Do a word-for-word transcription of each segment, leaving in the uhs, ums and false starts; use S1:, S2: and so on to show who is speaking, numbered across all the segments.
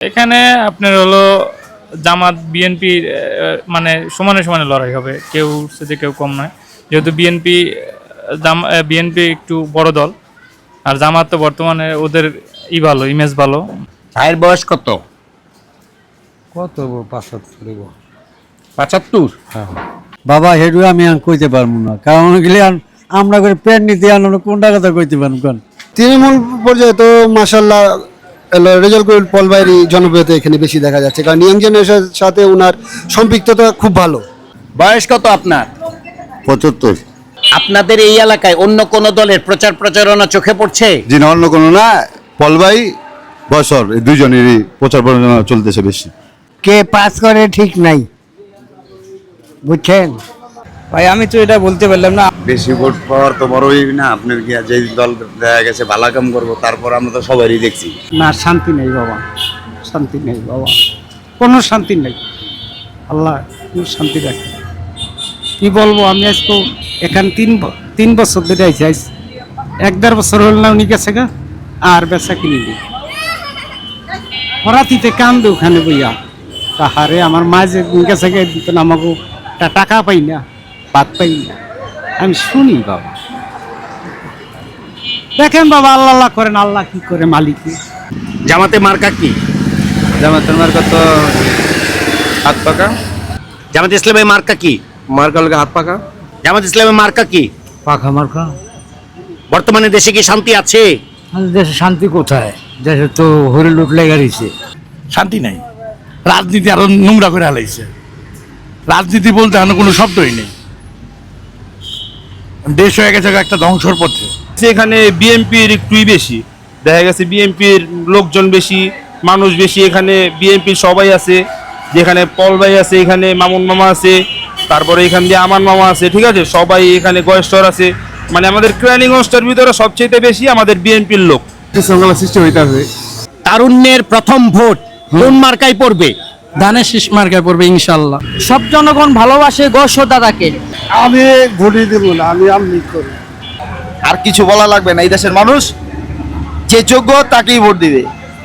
S1: এখানে আপনার হলো জামাত বিএনপি মানে সমানে সমানে লড়াই হবে, কেউ সেটা কেউ কম নয়, যেহেতু বিএনপি বিএনপি একটু বড় দল, আর জামাত তো বর্তমানে ওদের ই ভালো, ইমেজ ভালো।
S2: ভাইয়ের বয়স কত?
S3: কত পাঁচাত্তর
S2: পঁচাত্তর।
S3: হ্যাঁ বাবা হেডু আমি আর কইতে পারবো না, কারণ গেলে আমরা করে প্যান্ট নিতে আনলো কোনটা কথা কইতে পারবো কেন।
S4: তৃণমূল পর্যায়ে তো মাসাল্লাহ রেজাল্ট করিল পলবাইরি জনপ্রিয়তা এখানে বেশি দেখা যাচ্ছে, কারণ ইয়াং জেনারেশনের সাথে ওনার সম্পৃক্ততা খুব ভালো।
S2: বয়স কত আপনার?
S5: পঁচাত্তর।
S2: আপনাদের এই এলাকায় অন্য কোন দলের প্রচার প্রচারণা চোখে পড়ছে?
S5: জি না, অন্য কোনো না, পলবাই বছর এই দুইজনেরই প্রচার প্রচারণা চলতেছে বেশি।
S6: কে পাস করে ঠিক নাই, বুঝছেন
S7: ভাই? আমি তো এটা বলতে পারলাম না।
S5: বেশি ভোট পাওয়ার তো বড়ই না, আপনার কি যে দল দেখা গেছে ভালো কাম করবো, তারপর আমরা তো সবারই দেখছি
S6: না। শান্তি নেই বাবা, শান্তি নেই বাবা, কোনো শান্তি নেই। আল্লাহ কোনো শান্তি রাখে। কি বলবো আমি, আজকে এখান তিন তিন বছর ধরে আইসি, আইস এক দেড় বছর হল না উনি গেছে গা, আর বেচা কিনি নি হরাতিতে কান্দে ওখানে বইয়া। তাহারে আমার মা যে গেছে গে দিত না, আমাকে টাকা পাই না, ভাত পাই না, আমি শুনি বাবা। দেখেন বাবা, আল্লাহ আল্লাহ করেন, আল্লাহ কি করে মালিকই।
S2: জামাতে মার্কা কি?
S7: জামাতের মার্কা তো হাত পাকা।
S2: জামাত ইসলামের মার্কা কি?
S7: মার্কা লোকে হাত পাকা।
S2: জামাত ইসলামের মার্কা কি?
S6: পাখা মার্কা।
S2: বর্তমানে দেশে কি শান্তি আছে?
S6: আমাদের দেশে শান্তি কোথায়? দেশে তো হরি লুট লেগে গেছে।
S8: শান্তি নাই, রাজনীতি আরো নোংরা করে হালাইছে। রাজনীতি বলতে আর কোনো শব্দই নেই, দেশ হয়ে গেছে একটা ধ্বংসর পথে।
S7: এখানে বিএনপির একটুই বেশি দেখা গেছে, বিএনপির লোকজন বেশি, মানুষ বেশি। এখানে বিএনপির সবাই আছে, যেখানে পল ভাই আছে, এখানে মামুন মামা আছে, তারপরে এখান দিয়ে আমার মামা আছে, ঠিক আছে, সবাই এখানে গয়েস্টর আছে। মানে আমাদের ক্রাইলিগঞ্জটার ভিতরে সবচেয়ে বেশি আমাদের বিএনপির লোক।
S3: সংখ্যা সৃষ্টি হইতে হবে।
S2: তারুণ্যের প্রথম ভোট কোন মার্কায় পড়বে?
S6: ধানের শীষ মার্কায় পড়বে ইনশাল্লাহ। সব জনগণ ভালোবাসে গোষ্ঠ দাদাকে।
S4: আমি ভোটই দেবো না, আমি আমনি করি।
S5: আর কিছু বলা লাগবে না, এই দেশের মানুষ যে যোগ্য তাকেই ভোট দিবে।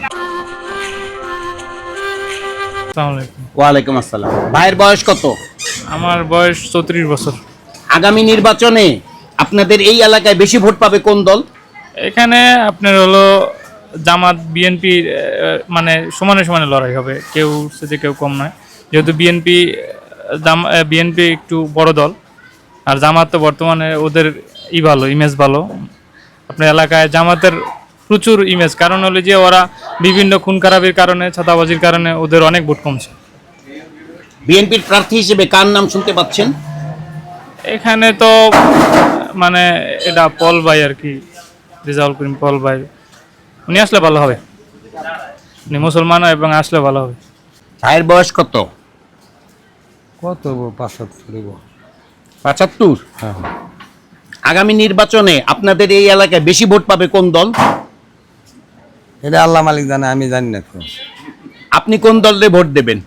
S1: আসসালামু আলাইকুম।
S2: ওয়ালাইকুম আসসালাম। ভাইয়ের বয়স কত?
S1: আমার বয়স চৌত্রিশ বছর।
S2: আগামী নির্বাচনে আপনাদের এই এলাকায় বেশি ভোট পাবে কোন দল?
S1: এখানে আপনার হলো জামাত বিএনপি মানে সমানে সমানে লড়াই হবে, কেউ সেটা কেউ কম নয়, যেহেতু বিএনপি বিএনপি একটু বড় দল, আর জামাত তো বর্তমানে ওদের ই ভালো, ইমেজ ভালো। আপনার এলাকায় জামাতের প্রচুর ইমেজ, কারণ হলো যে ওরা বিভিন্ন খুন খারাপির কারণে, ছাতাবাজির কারণে ওদের অনেক ভোট কমছে।
S2: বিএনপির প্রার্থী হিসেবে কার নাম শুনতে পাচ্ছেন?
S1: এখানে তো মানে এটা পল ভাই আর কি, রেজাউল করিম পল ভাই, উনি আসলে ভালো হবে, উনি মুসলমান এবং আসলে ভালো হবে।
S2: ভাইয়ের বয়স কত?
S3: কত পাঁচাত্তর।
S2: পঁচাত্তর।
S3: হ্যাঁ
S2: আগামী নির্বাচনে আপনাদের এই এলাকায় বেশি ভোট পাবে কোন দল?
S3: এটা আল্লাহ মালিক জানে, আমি জানি না তো।
S2: আপনি কোন দলে ভোট দেবেন?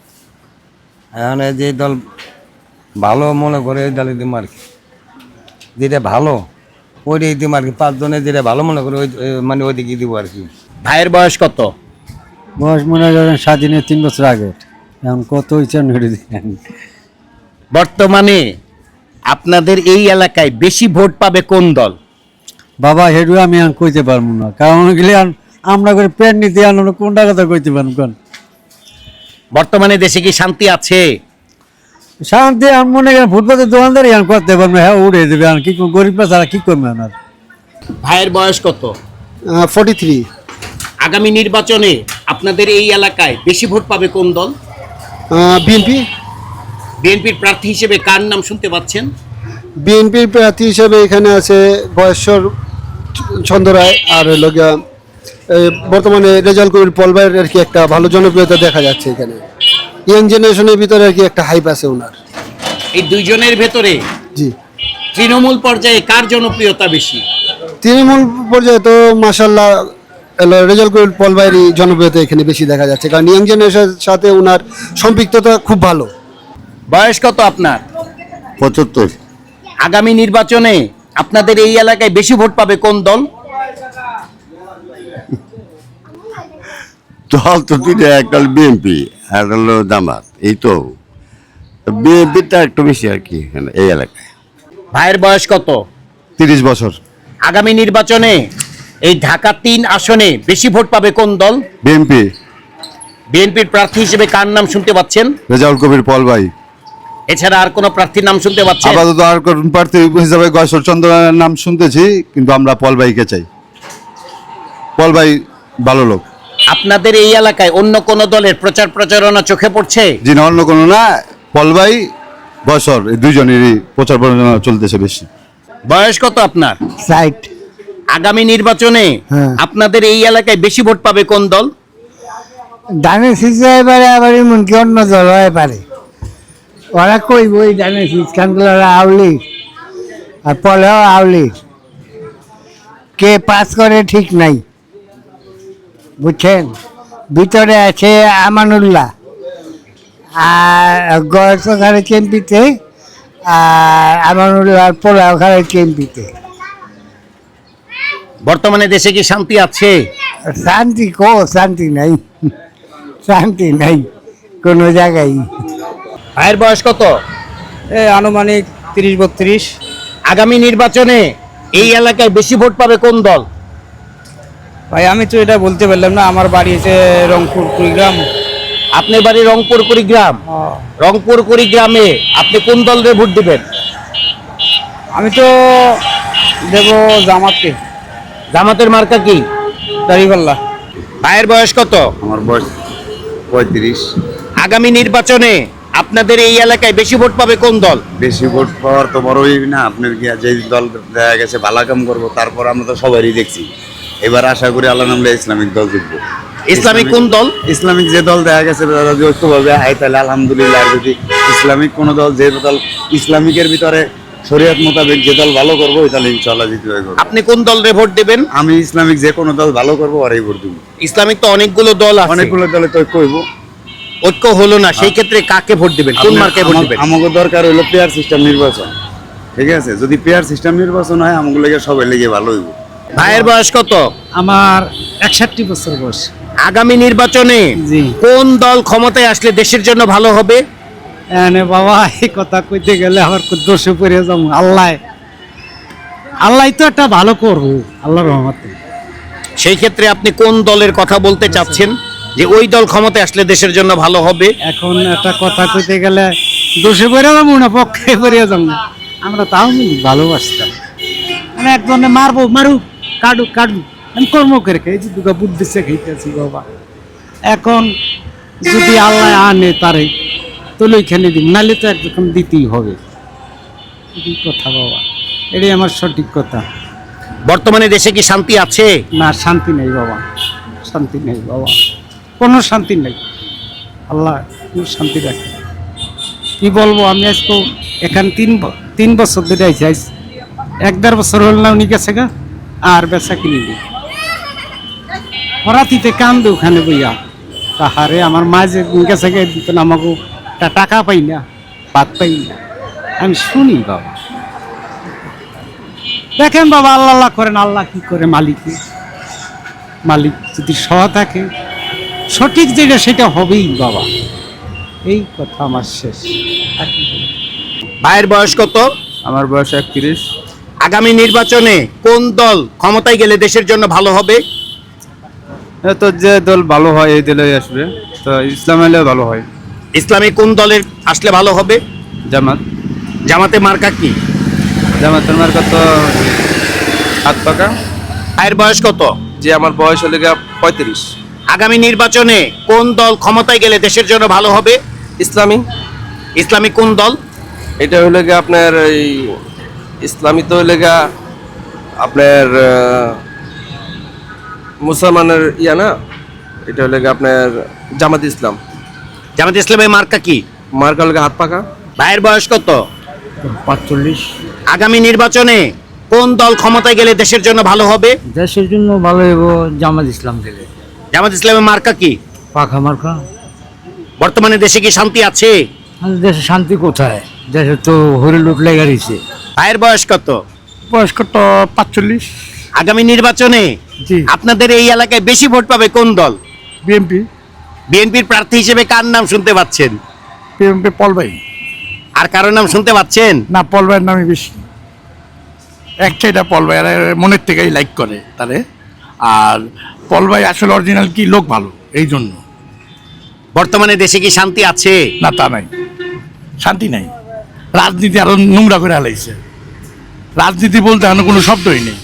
S3: এখন যে দল ভালো মনে করে ওই দলে দিব আর কি, যেটা ভালো ওইটাই দিব আর কি। পাঁচজনে যেটা ভালো মনে করে ওই মানে ওইদিকে দিব আর কি।
S2: ভাইয়ের বয়স কত?
S6: বয়স মনে করেন স্বাধীনের তিন বছর আগে, এখন কত হয়েছে দিন।
S2: বর্তমানে আপনাদের এই এলাকায় বেশি ভোট পাবে কোন দল?
S6: বাবা হেডু আমি আর কইতে পারবো না, কারণ গেলে আমরা করে প্যান্ট নিতে আনলো কোনটা কথা কইতে পারবো কেন।
S2: বর্তমানে দেশে কি শান্তি আছে?
S6: শান্তি আমি মনে করেন ফুটপাতের দোকানদারি আমি করতে পারবো, হ্যাঁ উড়ে দেবে, আর কি গরিব ছাড়া কি করবে আমার।
S2: ভাইয়ের বয়স কত?
S4: Forty three.
S2: আগামী নির্বাচনে আপনাদের এই এলাকায় বেশি ভোট পাবে কোন দল?
S4: বিএনপি।
S2: বিএনপির প্রার্থী হিসেবে কার নাম শুনতে পাচ্ছেন?
S4: বিএনপির প্রার্থী হিসেবে এখানে আছে বয়স্কর ছন্দ রায়, আর হলো গিয়া বর্তমানে রেজাল্ট করিল পলবাইয়ের আর কি একটা ভালো জনপ্রিয়তা দেখা যাচ্ছে এখানে। ইয়াং জেনারেশনের ভিতরে আর কি একটা হাইপ আছে ওনার।
S2: এই দুইজনের ভেতরে
S4: জি,
S2: তৃণমূল পর্যায়ে কার জনপ্রিয়তা বেশি?
S4: তৃণমূল পর্যায়ে তো মাসাল্লাহ রেজাল্ট করিল পলবাইরি জনপ্রিয়তা এখানে বেশি দেখা যাচ্ছে, কারণ ইয়াং জেনারেশনের সাথে ওনার সম্পৃক্ততা খুব ভালো।
S2: বয়স কত আপনার?
S5: পঁচাত্তর।
S2: আগামী নির্বাচনে আপনাদের এই এলাকায় বেশি ভোট পাবে কোন দল?
S5: দল তো দুইটা, একটা বিএনপি আর হলো জামাত, এই তো বিএনপিটা একটু বেশি আর কি এখানে এই এলাকায়।
S2: ভাইয়ের বয়স কত?
S5: তিরিশ বছর।
S2: আগামী নির্বাচনে এই ঢাকা তিন আসনে বেশি ভোট পাবে কোন দল?
S5: বিএনপি।
S2: বিএনপির প্রার্থী হিসেবে কার নাম শুনতে পাচ্ছেন?
S5: রেজাউল কবির পল ভাই।
S2: এছাড়া আর কোন প্রার্থীর নাম শুনতে পাচ্ছেন?
S5: আপাতত আর কোন প্রার্থী হিসাবে গয়সর চন্দ্রের নাম শুনতেছি, কিন্তু আমরা পল ভাইকে চাই। পল ভাই ভালো লোক।
S2: আপনাদের এই এলাকায় অন্য কোন দলের প্রচার প্রচারণা চোখে পড়ছে?
S5: জি না, অন্য কোনো না, পল ভাই গয়সর এই দুইজনেরই প্রচার প্রচারণা চলতেছে বেশি।
S2: বয়স কত আপনার?
S6: সাইট
S2: আগামী নির্বাচনে
S6: হ্যাঁ।
S2: আপনাদের এই এলাকায় বেশি ভোট পাবে কোন দল?
S6: ডানে সিজে এবারে আবার এমনকি অন্য দল হয়ে পারে। ওরা কইব ওই ডানে সিজ খানগুলো আউলি আর পলেও আউলি, কে পাস করে ঠিক নাই, বুঝছেন? ভিতরে আছে আমানুল্লাহ আর গয়েস খারে কেমপিতে, আর আমানুল্লাহ পোলাও খারে কেমপিতে।
S2: বর্তমানে দেশে কি শান্তি আছে?
S6: শান্তি কো শান্তি নাই, শান্তি নাই কোনো জায়গায়।
S2: ভাইয়ের বয়স কত?
S6: এই আনুমানিক তিরিশ বত্রিশ।
S2: আগামী নির্বাচনে এই এলাকায় বেশি ভোট পাবে কোন দল?
S6: ভাই আমি তো এটা বলতে পারলাম না, আমার বাড়ি হচ্ছে রংপুর কুড়িগ্রাম।
S2: আপনার বাড়ি রংপুর কুড়িগ্রাম। রংপুর কুড়িগ্রামে আপনি কোন দলের ভোট দিবেন?
S6: আমি তো দেব জামাতকে।
S2: জামাতের মার্কা কি?
S6: দাড়িপাল্লা।
S2: ভাইয়ের বয়স কত?
S5: আমার বয়স পঁয়ত্রিশ।
S2: আগামী নির্বাচনে আপনাদের এই এলাকায় বেশি ভোট পাবে কোন দল?
S5: বেশি ভোট পাওয়ার তো বড়ই না, আপনার কি যে দল দেখা গেছে ভালো কাম করবো, তারপর আমরা তো সবারই দেখছি। এবার আশা করি আল্লাহ নামলে ইসলামিক দল জিতবো।
S2: ইসলামিক কোন দল?
S5: ইসলামিক যে দল দেখা গেছে তারা যদি ঐক্যভাবে আয় তাহলে আলহামদুলিল্লাহ। আর যদি ইসলামিক কোন দল, যে দল ইসলামিকের ভিতরে শরীয়ত মোতাবেক যে দল ভালো করবো ওই দল ইনশাআল্লাহ জিতবে।
S2: আপনি কোন দলের ভোট দেবেন?
S5: আমি ইসলামিক যে কোনো দল ভালো করবো আর এই ভোট দিব।
S2: ইসলামিক তো অনেকগুলো দল আছে,
S5: অনেকগুলো দলে তো ঐক্য হইব,
S2: ঐক্য হলো না, সেই ক্ষেত্রে কাকে ভোট দিবেন? কোন মার্কায় ভোট দিবেন?
S5: আমাকে দরকার হইলো পেয়ার সিস্টেম নির্বাচন, ঠিক আছে? যদি পেয়ার সিস্টেম নির্বাচন হয় আমাকে লেগে সবাই লেগে ভালো হইব।
S2: ভাইয়ের বয়স কত?
S6: আমার একষট্টি বছর বয়স।
S2: আগামী নির্বাচনে
S6: জি।
S2: কোন দল ক্ষমতায় আসলে দেশের জন্য ভালো হবে?
S6: এনে বাবা এই কথা কইতে গেলে আমার খুব দোষে পড়ে যাবো। আল্লাহ আল্লাহ তো একটা ভালো করবো আল্লাহর রহমতে।
S2: সেই ক্ষেত্রে আপনি কোন দলের কথা বলতে চাচ্ছেন যে ওই দল ক্ষমতায় আসলে দেশের জন্য ভালো হবে?
S6: এখন একটা কথা কইতে গেলে দোষে পড়ে যাবো না পক্ষে পড়ে যাবো। আমরা তাও ভালোবাসতাম, মানে একজনে মারবো মারুক, কাটুক কাটুক, আমি কর্ম করে খাই, যে দুগা বুদ্ধি সে খাইতেছি বাবা। এখন যদি আল্লাহ আনে তারে তাহলে ওইখানে দিন, নাহলে তো একদম দিতেই হবে। এই কথা বাবা, এটাই আমার সঠিক কথা।
S2: বর্তমানে দেশে কি শান্তি আছে?
S6: না, শান্তি নেই বাবা, শান্তি নেই বাবা, কোনো শান্তি নেই। আল্লাহ কোনো শান্তি রাখে। কি বলবো, আমি আজকে এখানে তিন ব- তিন বছর ধরে আইসি, আইস এক দেড় বছর হল না উনি গেছে গা, আর বেচা কিনি দিই হরাতিতে কান্দে ওখানে বইয়া। তাহারে আমার মা যে গেছে গে দিত না, আমাকে টা- টাকা পাই না, ভাত পাই না, আমি শুনি বাবা। দেখেন বাবা, আল্লাহ আল্লাহ করেন, আল্লাহ কি করে মালিকে, মালিক যদি সহ থাকে সঠিক যেটা সেটা হবেই বাবা। এই কথা আমার শেষ। আর কি বলবো?
S2: ভাইয়ের বয়স কত?
S7: আমার বয়স একত্রিশ।
S2: আগামী নির্বাচনে কোন দল ক্ষমতায় গেলে দেশের জন্য ভালো হবে?
S7: তো যে দল ভালো হয় এই দলে আসবে, তো ইসলাম এলে ভালো হয়।
S2: ইসলামী কোন দলের আসলে ভালো হবে?
S7: জামাত।
S2: জামাতে মার্কা কি?
S7: জামাতের মার্কা তো হাত পাকা।
S2: ভাইয়ের বয়স কত?
S7: যে আমার বয়স হলে গিয়া পঁয়ত্রিশ।
S2: আগামী নির্বাচনে কোন দল ক্ষমতায় গেলে দেশের জন্য ভালো হবে?
S9: ইসলামী।
S2: ইসলামী কোন দল?
S9: এটা হইলে গিয়ে আপনার এই ইসলামী তো হইলে গিয়া আপনার আহ, মুসলমানের ইয়া না, এটা হইলে গিয়ে আপনার জামাত ইসলাম।
S2: জামাত ইসলামের মার্কা কি?
S9: মার্কা হলে গিয়ে হাত পাকা।
S2: ভাইয়ের বয়স কত?
S6: পাঁচচল্লিশ।
S2: আগামী নির্বাচনে কোন দল ক্ষমতায় গেলে দেশের জন্য ভালো হবে?
S6: দেশের জন্য ভালো হইব জামাত ইসলাম গেলে।
S2: জামাত ইসলামের মার্কা কি?
S6: পাখা মার্কা।
S2: বর্তমানে দেশে কি শান্তি আছে?
S6: আমাদের দেশে শান্তি কোথায়? দেশে তো হরি লুট লেগে গেছে।
S2: ভাইয়ের বয়স কত?
S6: বয়স্ক তো পাঁচচল্লিশ।
S2: আগামী নির্বাচনে
S6: জি।
S2: আপনাদের এই এলাকায় বেশি ভোট পাবে কোন দল?
S8: বিএনপি
S2: বিএনপির প্রার্থী হিসেবে কার নাম শুনতে পাচ্ছেন?
S8: বিএনপি পলবাই।
S2: আর কারোর নাম শুনতে পাচ্ছেন?
S8: না, পলবাইয়ের নামই বেশি। একটাইটা পলবাই, আর মনের থেকেই লাইক করে তারে। আর পলবাই আসলে অরিজিনাল কি লোক ভালো, এই জন্য।
S2: বর্তমানে দেশে কি শান্তি আছে?
S8: না, তা নাই, শান্তি নাই। রাজনীতি আরো নোংরা করে হালাইছে। রাজনীতি বলতে এখন কোনো শব্দই নেই।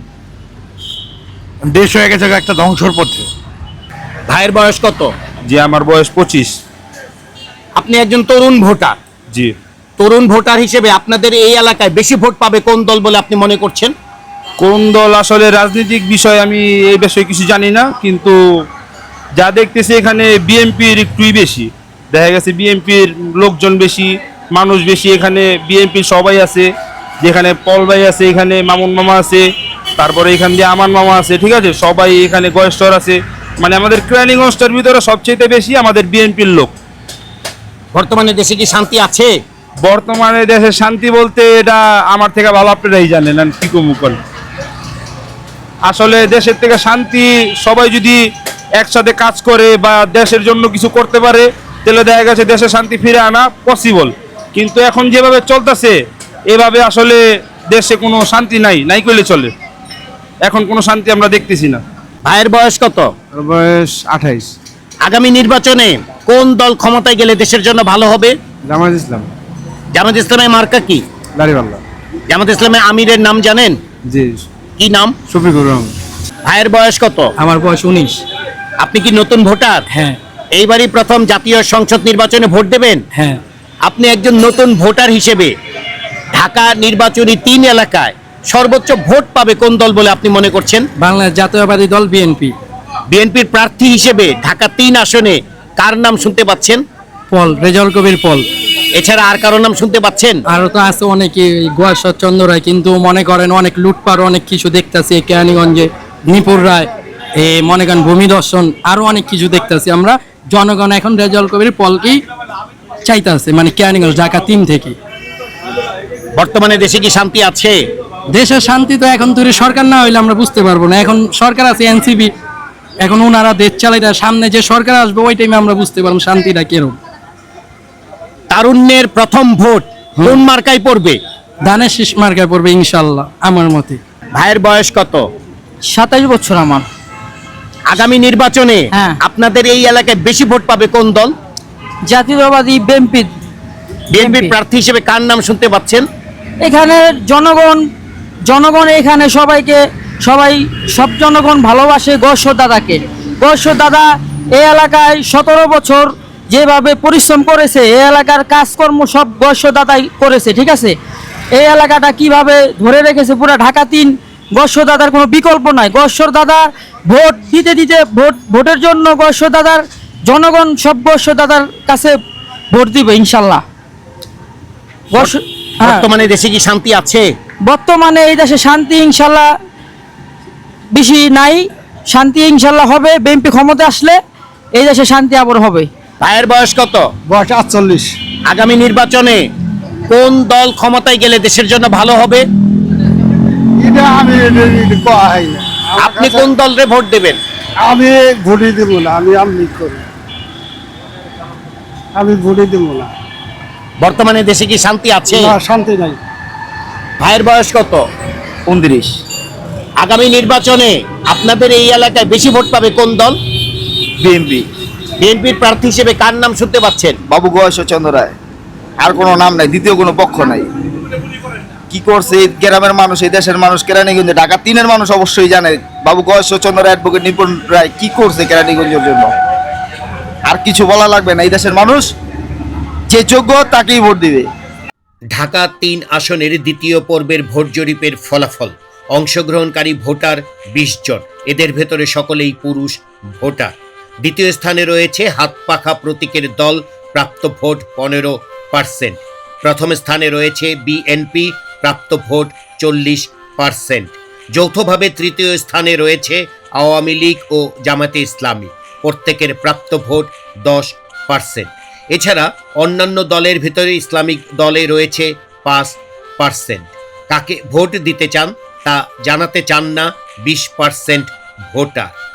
S8: দেশ হয়ে গেছে একটা ধ্বংসর পথে।
S2: ভাইয়ের বয়স কত?
S7: জি, আমার বয়স পঁচিশ।
S2: আপনি একজন তরুণ ভোটার।
S7: জি।
S2: তরুণ ভোটার হিসেবে আপনাদের এই এলাকায় বেশি ভোট পাবে কোন দল বলে আপনি মনে করছেন?
S7: কোন দল আসলে রাজনৈতিক বিষয় আমি এই বিষয়ে কিছু জানি না, কিন্তু যা দেখতেছি এখানে বিএনপির একটুই বেশি। দেখা গেছে বিএনপির লোকজন বেশি, মানুষ বেশি। এখানে বিএনপির সবাই আছে, যেখানে পল ভাই আছে, এখানে মামুন মামা আছে, তারপরে এখান দিয়ে আমার মামা আছে, ঠিক আছে, সবাই এখানে গয়েস্টর আছে। মানে আমাদের কেরানীগঞ্জটার ভিতরে সবচেয়ে বেশি আমাদের বিএনপির লোক।
S2: বর্তমানে দেশে কি শান্তি আছে?
S7: বর্তমানে দেশে শান্তি বলতে এটা আমার থেকে ভালো আপনারাই জানেন, আর কি কমু করেন। আসলে দেশের থেকে শান্তি সবাই যদি একসাথে কাজ করে বা দেশের জন্য কিছু করতে পারে, তাহলে দেখা গেছে দেশে শান্তি ফিরে আনা পসিবল। কিন্তু এখন যেভাবে চলতেছে এভাবে আসলে দেশে কোনো শান্তি নাই, নাই করলে চলে। এখন কোনো শান্তি আমরা দেখতেছি না।
S2: ভাইয়ের বয়স কত?
S3: বয়স আঠাইশ।
S2: আগামী নির্বাচনে কোন দল ক্ষমতায় গেলে দেশের জন্য ভালো হবে?
S3: জামাত ইসলাম।
S2: জামাত ইসলামের মার্কা কি?
S3: দাড়িপাল্লা।
S2: জামাত ইসলামের আমিরের নাম জানেন?
S3: জি।
S2: কি নাম?
S3: শফিকুর রহমান।
S2: ভাইয়ের বয়স কত?
S6: আমার বয়স উনিশ।
S2: আপনি কি নতুন ভোটার?
S6: হ্যাঁ।
S2: এইবারই প্রথম জাতীয় সংসদ নির্বাচনে ভোট দেবেন?
S6: হ্যাঁ।
S2: আপনি একজন নতুন ভোটার হিসেবে ঢাকা নির্বাচনী তিন এলাকায় সর্বোচ্চ ভোট পাবে কোন দল বলে আপনি মনে করছেন?
S6: বাংলাদেশ জাতীয়বাদী দল বিএনপি।
S2: বিএনপির প্রার্থী হিসেবে ঢাকা তিন আসনে কার নাম শুনতে পাচ্ছেন?
S6: পল, রেজাউল কবির পল।
S2: এছাড়া আর কারো নাম শুনতে পাচ্ছেন?
S6: আরো তো আছে অনেকে, গোয়াশ্বর চন্দ্র রায়, কিন্তু মনে করেন অনেক লুটপাট, অনেক কিছু দেখতেছি কেরানীগঞ্জে, নিপুর রায়, এ মনে করেন ভূমি দর্শন, আরো অনেক কিছু দেখতেছি আমরা। জনগণ এখন রেজাউল কবির পলকেই চাইতেছে, মানে কেরানীগঞ্জ ঢাকা তিন থেকে।
S2: বর্তমানে দেশে কি শান্তি আছে?
S6: দেশের শান্তি তো এখন তৈরি সরকার না হইলে আমরা বুঝতে পারবো না। এখন সরকার আছে এনসিপি, এখন ওনারা দেশ চালাই, সামনে যে সরকার আসবে ওই টাইমে আমরা বুঝতে পারবো শান্তিটা কিরকম।
S2: তারুণ্যের প্রথম ভোট কোন মার্কায় পড়বে?
S6: ধানের শীষ মার্কায় পড়বে ইনশাল্লাহ আমার মতে।
S2: ভাইয়ের বয়স কত?
S6: সাতাইশ বছর আমার।
S2: আগামী নির্বাচনে
S6: হ্যাঁ।
S2: আপনাদের এই এলাকায় বেশি ভোট পাবে কোন দল?
S6: জাতীয়তাবাদী বিএনপি।
S2: বিএনপির প্রার্থী হিসেবে কার নাম শুনতে পাচ্ছেন?
S6: এখানে জনগণ জনগণ এখানে সবাইকে সবাই সব জনগণ ভালোবাসে গয়েশ্বর দাদাকে। গয়েশ্বর দাদা এই এলাকায় সতেরো বছর যেভাবে পরিশ্রম করেছে, এই এলাকার কাজকর্ম সব গয়েশ্বর দাদাই করেছে, ঠিক আছে। এই এলাকাটা কিভাবে ধরে রেখেছে পুরো ঢাকা তিন, গয়েশ্বর দাদার কোনো বিকল্প নাই। গয়েশ্বর দাদা ভোট দিতে দিতে ভোট ভোটের জন্য গয়েশ্বর দাদার জনগণ সব গয়েশ্বর দাদার কাছে ভোট দিবে ইনশাল্লাহ। গয়েশ্বর- হ্যাঁ।
S2: বর্তমানে দেশে কি শান্তি আছে?
S6: বর্তমানে এই দেশে শান্তি ইনশাল্লাহ বেশি নাই, শান্তি ইনশাল্লাহ হবে বিএনপি ক্ষমতা আসলে, এই দেশে শান্তি আবার হবে।
S2: ভাইয়ের বয়স কত?
S3: বয়স আটচল্লিশ।
S2: আগামী নির্বাচনে কোন দল ক্ষমতায় গেলে দেশের জন্য ভালো হবে?
S4: এটা আমি কয় না।
S2: আপনি কোন দলরে ভোট দেবেন?
S4: আমি ভোটই দেবো না, আমি আমলি করি, আমি ভোটই দেবো না।
S2: বর্তমানে দেশে কি শান্তি আছে?
S4: না, শান্তি নাই।
S2: ভাইয়ের বয়স কত?
S3: উনত্রিশ।
S2: আগামী নির্বাচনে আপনাদের এই এলাকায় বেশি ভোট পাবে কোন দল?
S5: বিএনপি।
S2: বিএনপির প্রার্থী হিসেবে কার নাম শুনতে পাচ্ছেন?
S5: বাবু গয়েশ্বর চন্দ্র রায়। আর কোনো নাম নাই, দ্বিতীয় কোনো পক্ষ নাই। কি করছে এই গ্রামের মানুষ, এই দেশের মানুষ, কেরানীগঞ্জে ঢাকা তিনের মানুষ অবশ্যই জানে বাবু গয়েশ্বর চন্দ্র রায়, অ্যাডভোকেট নিপুণ রায় কি করছে কেরানীগঞ্জের জন্য। আর কিছু বলা লাগবে না, এই দেশের মানুষ যে যোগ্য তাকেই ভোট দিবে।
S2: ঢাকা তিন আসনের দ্বিতীয় পর্বের ভোট জরিপের ফলাফল। অংশগ্রহণকারী ভোটার বিশ জন, এদের ভেতরে সকলেই পুরুষ ভোটার। দ্বিতীয় স্থানে রয়েছে হাত পাখা প্রতীকের দল, প্রাপ্ত ভোট পনেরো পার্সেন্ট। প্রথম স্থানে রয়েছে বিএনপি, প্রাপ্ত ভোট চল্লিশ পার্সেন্ট। যৌথভাবে তৃতীয় স্থানে রয়েছে আওয়ামী লীগ ও জামাতে ইসলামী, প্রত্যেকের প্রাপ্ত ভোট দশ পার্সেন্ট। এছাড়া অন্যান্য দলের ভিতরে ইসলামিক দলে রয়েছে পাঁচ পার্সেন্ট। কাকে ভোট দিতে চান তা জানাতে চান না বিশ পার্সেন্ট ভোটার।